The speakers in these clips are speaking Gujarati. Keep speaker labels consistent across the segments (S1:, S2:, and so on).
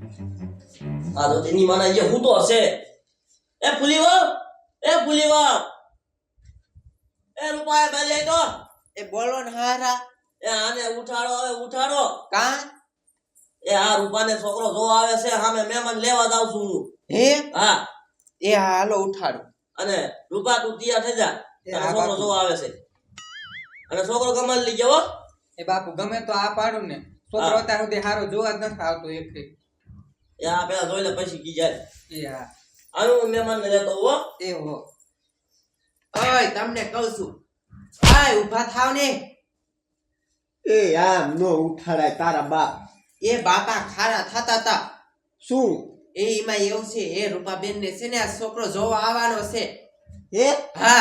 S1: આ તો તેની માના જે હું તો હશે એ ફુલીવા એ રૂપાય બેલે તો
S2: એ બોલો ને હારા
S1: એ આને ઉઠાડો હવે ઉઠાડો
S2: કા
S1: એ આ રૂપાને છોકરો જોવા આવે છે સામે મહેમાન લેવા જાવ છું હું
S2: હે
S1: હા
S2: એ હાલો ઉઠાડો
S1: અને રૂપા તું તૈયાર થઈ જા
S2: એ
S1: તારો
S2: આ
S1: છોકરો
S2: બાપુ.
S1: જોવા આવે છે અને છોકરો કમાલ લઈ જાવ
S3: એ બાપુ ગમે તો આ પાડું ને છોકરો અત્યાર સુધી હારો જોવા જ નથી આવતો એક
S1: એ આ પેલા જોઈ લે પછી કી જાય
S3: એ હા
S1: આનું મહેમાન ને લેતો હો
S3: એ હો
S2: ઓય તમને કહું છું આય ઊભા થાવ ને
S4: એ આમ નો ઉઠાડાય તારા બાપ
S2: એ બાપા ખારા થતા તા
S4: શું
S2: એ એમાં એવું છે એ રૂપાબેન ને છે ને આ છોકરો જોવા આવવાનો છે
S4: હે
S2: હા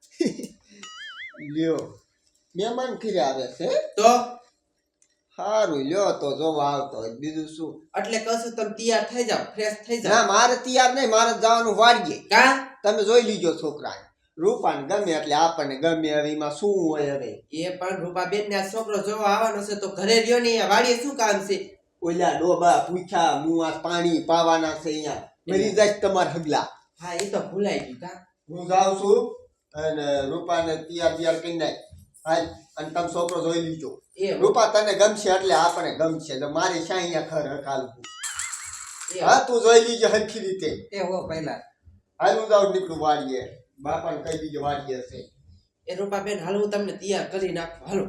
S4: લ્યો મહેમાન ખીરે આવે છે
S2: તો
S4: સારું લ્યો તો જોવા આવતો હોય બીજું શું
S2: એટલે કહું છું તમે તૈયાર થઈ જાવ ફ્રેશ થઈ
S4: ના
S2: જાવ
S4: મારે તૈયાર નહીં મારે જવાનું વાડીએ
S2: કા
S4: તમે જોઈ લીજો છોકરાને રૂપાને ગમે એટલે આપણને ગમે હવે એમાં શું હોય હવે
S2: એ પણ રૂપાબેન ને આ છોકરો જોવા આવવાનો છે તો ઘરે રહ્યો ને અહીંયા વાડીએ શું કામ છે
S4: ઓલા ડોબા પૂછા મુઆ પાણી પાવાના છે અહીંયા મરી જાય તમારે હગલા
S2: હા એ તો ભૂલાઈ ગયું કા
S4: હું જાઉં છું અને રૂપાને તૈયાર કરી નાખ હાલ અને તમે છોકરો જોઈ લીજો
S2: એ
S4: રૂપા તને ગમશે એટલે આપણે ગમશે તો મારે શા અહીંયા ખર હકાલવું
S2: એ
S4: હા તું જોઈ લીજે હરખી રીતે
S3: એ હો પહેલા
S4: હાલ હું જાઉં નીકળું વાડીએ બાપાને કહી દીજો વાડીએ હશે
S2: એ રૂપાબેન હાલ હું તમને તૈયાર કરી નાખું હાલો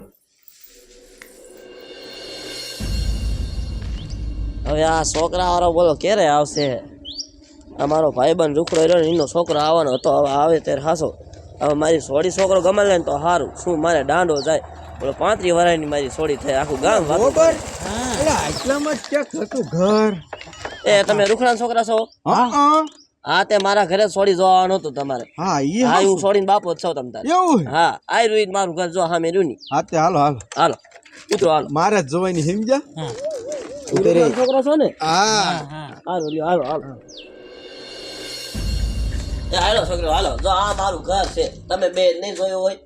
S1: હવે આ છોકરા વાળો બોલો ક્યારે આવશે અમારો ભાઈબંધ રૂખડો રહ્યો ને એનો છોકરો આવવાનો હતો હવે આવે ત્યારે હાસો હવે મારી સોડી છોકરો ગમે લે ને તો સારું શું મારે દાંડો જાય બોલો 35 વર્ષની મારી સોડી થાય આખું ગામ વાતું કરે.
S4: આટલામાં જ ક્યાંક હતું ઘર
S1: એ તમે રૂખડા છોકરા છો હા તે મારા ઘરે સોડી જોવાનું હતું તમારે
S4: હા
S1: હા હું સોડીને બાપો જ છો તમ તારે
S4: એવું
S1: હા આ રહ્યું મારું ઘર જો હા મેં રહ્યું ની
S4: હા તે હાલો હાલો
S1: હાલો ઉતરો હાલો
S4: મારે જ જોવાની સમજ્યા
S1: રૂખડાનો છોકરો છો ને
S4: હા
S1: હાલો લ્યો હાલો હાલો એ હાલો છોકરો હાલો જો આ મારું ઘર છે તમે બે નહીં જોયું હોય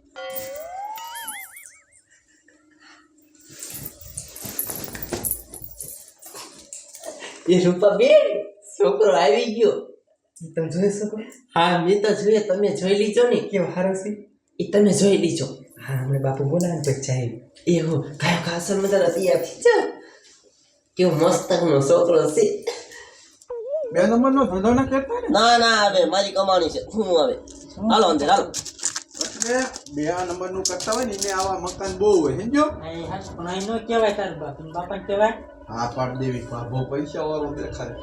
S2: એ રૂપાબેન છોકરો આવી ગયો
S3: તમે જોઈ શકો
S2: હા મેં તો જોઈએ તમે જોઈ લીજો ને
S3: કેવો હારો છે
S2: એ તમે જોઈ લીજો
S3: હા હમણાં બાપુ બોલાવે પછી જાય
S2: એ હો કાયો ખાસર મજાનો તૈયાર થઈ જાવ કેવો મસ્ત નો છોકરો છે
S4: બે નંબરનો ધંધો ના કરતા ને
S1: ના ના હવે મારી કમાણી છે હું હવે હાલો અંદર હાલો
S4: બે નંબરનું કરતા હોય ને એને આવા મકાન બહુ હોય સમજો
S3: પણ અહીં નો કહેવાય તાર બાપા કહેવાય
S4: હા પાડ દેવી બહુ પૈસા વાળો દેખાય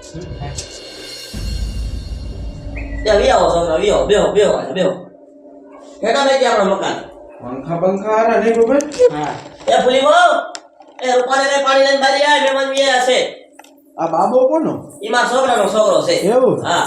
S1: એ વિયાવો છોકરા વિયાવો બેહો બેહો બેહો હેઠા બેસી આપણા મકાન
S4: પંખા પંખા હારા નહીં ખબર
S3: હા
S1: એ ફૂલી બહુ એ રૂપાને રે પાણી લઈને બારી આય મહેમાન વિયા છે
S4: આ બાબો કોનો
S1: ઈમાં છોકરાનો છોકરો છે
S4: એવું
S1: હા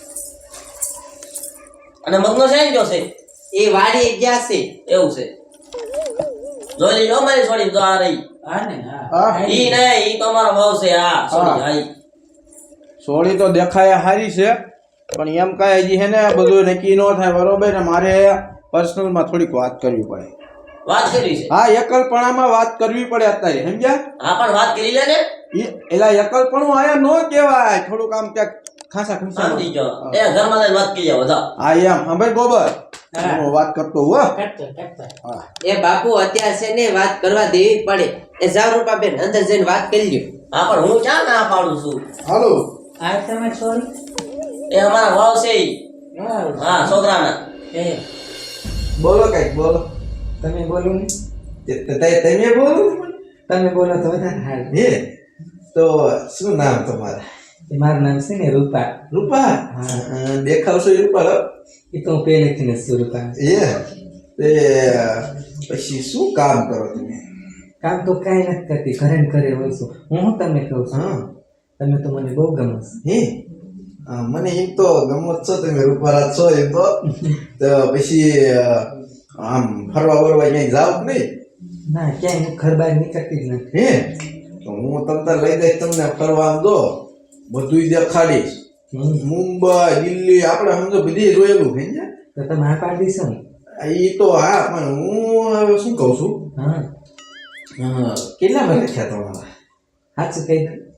S1: અને મગનો છે ને જો છે
S2: એ વાડી ગયા છે
S1: એવું છે જોઈ લીધો મારી છોડી જો આ રહી
S3: હા ને હા
S4: હા
S1: ઈ નહીં ઈ તો અમારો ભાવ છે હા છોડી હા ઈ.
S5: સોળી તો દેખાય હારી છે પણ એમ કાંઈ હજી હે ને બધું નક્કી ન થાય બરોબર ને મારે પર્સનલમાં થોડીક વાત કરવી પડે
S1: વાત કરી છે
S5: હા એકલપણામાં વાત કરવી પડે અત્યારે સમજ્યા
S1: હા પણ વાત કરી લે ને
S5: એલા એકલપણું આયા નો કહેવાય થોડુંક આમ ક્યાંક ખાસા ખુશા
S1: સમજી ગયો એ ઘરમાં જઈને વાત કરી જાવ બધા
S5: હા એમ સાંભળ બોબર હું વાત કરતો હો હા
S2: એ બાપુ અત્યારે છે ને વાત કરવા દેવી પડે એ જાવ રૂપાબેન અંદર જઈને વાત કરી લ્યો
S1: હા પણ હું ક્યાં ના પાડું છું
S5: હાલો
S3: આ તમે સોરી
S1: એ અમારા ભાવ છે ઈ. હા છોકરાના
S3: એ
S5: બોલો કઈક બોલો
S3: તમે બોલો ને
S5: તમે બોલો
S3: તમે બોલો તો વધારે હાલ
S5: હે તો શું નામ તમારે
S3: મારું નામ છે ને રૂપા
S5: રૂપા દેખાવશો એ રૂપા
S3: એ તો હું પહેલેથી ને છું રૂપા
S5: એ તે પછી શું કામ કરો તમે
S3: કામ તો કાંઈ નથી કરતી ઘરે ને ઘરે હોય છું હું તમને કહું છું
S5: હા
S3: તમે તો મને બહુ ગમો છો
S5: હે મને એમ તો ગમત છો તમે રૂપારા છો એમ તો પછી આમ ફરવા વરવા ક્યાંય જાવ કે નહીં
S3: ના ક્યાંય હું ઘર બહાર નીકળતી જ નથી
S5: હે તો હું તમને લઈ જઈશ તમને ફરવા આમ દો બધું દેખાડીશ મુંબઈ દિલ્હી આપણે સમજો બધી જોયેલું છે ને
S3: તો તમે હા પાડી દઈશો ને
S5: એ તો હા પણ હું હવે શું કહું છું
S3: હા
S5: કેટલા માં લખ્યા તમારા
S3: સાચું કહી દો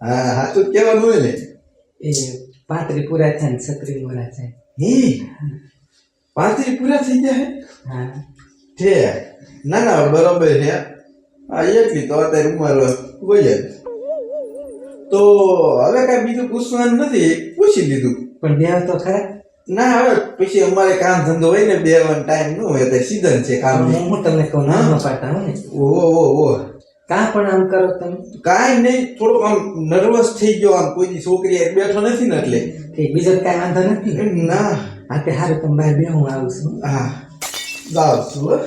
S5: હા સાચું જ કહેવાનું હોય ને
S2: એ 35 પૂરા થાય ને 36 મોરા થાય.
S5: હે 35 પૂરા થઈ ગયા હે
S2: હા
S5: છે ના ના બરોબર છે આ એટલી તો અત્યારે ઉંમર હોય જ તો હવે કાંઈ બીજું પૂછવાનું નથી પૂછી લીધું
S2: પણ બે તો ખરા.
S5: ના હવે પછી અમારે કામ ધંધો હોય ને બેવાનો ટાઈમ ન હોય તો સીઝન છે કામ
S2: હું તમને કહું ના પાડતા હો ને
S5: ઓહો
S2: કાં પણ આમ કરો તમે
S5: કાંઈ નહીં થોડોક આમ નર્વસ થઈ ગયો આમ કોઈ દી છોકરી એક બેઠો નથી ને એટલે
S2: કે બીજો કાંઈ વાંધો નથી ને?
S5: ના
S2: હા તે હારું તમે બહાર બે હું આવું છું.
S5: હા જાવ છું હો.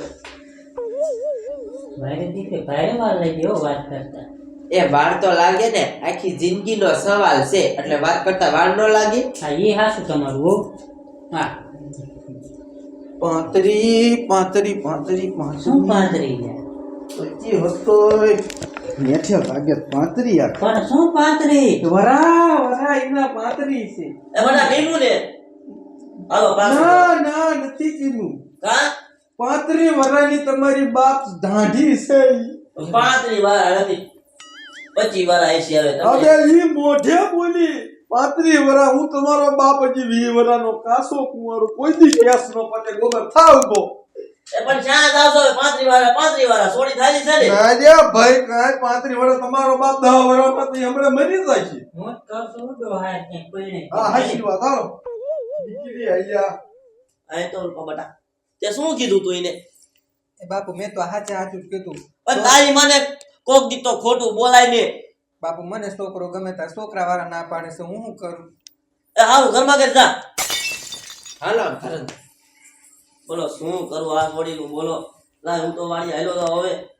S2: એ વાર તો લાગે ને આખી જિંદગીનો સવાલ છે એટલે વાત કરતા વાર ન લાગે. પાંત્રી હતો મેઠે ભાગે 35 યાર વરા એના 35 છે.
S1: એ બધા કીધું ને હાલો પાછું
S5: ના ના નથી કીધું
S1: કા
S5: 35 વરાની તમારી બાપ ધાઢી છે
S1: 35 વાર નથી 25 વાર આઈસી આવે તમે
S5: અબે ઈ મોઢે બોલી 35 વરા હું તમારો બાપ હજી 20 વરાનો કાસો કુંવારો કોઈ દી કેસ નો પતે ગોબર થાવ તો
S1: એ પણ શા જાવશો 35 વાર સોડી થાલી છે ને
S5: અરે ભાઈ કાંઈ 35 વરા તમારો બાપ 10 વરામાં તો હમણાં મરી જાય છે હા હાચી વાત હાલો દીકરી આયા
S1: આ તો બટા તે શું કીધું તું એને
S3: એ બાપુ મેં તો હાચું જ કીધું.
S1: પણ તારી મને કોક દી તો ખોટું બોલાય ને
S3: બાપુ મને છોકરો ગમે તાર છોકરા વાળા ના પાડે છે હું શું કરું?
S1: એ હારું ઘરમાં કે જા
S2: હાલો ઘરે
S1: બોલો શું કરું આ છોડીનું બોલો લાય હું તો વાડી હાલ્યો તો હવે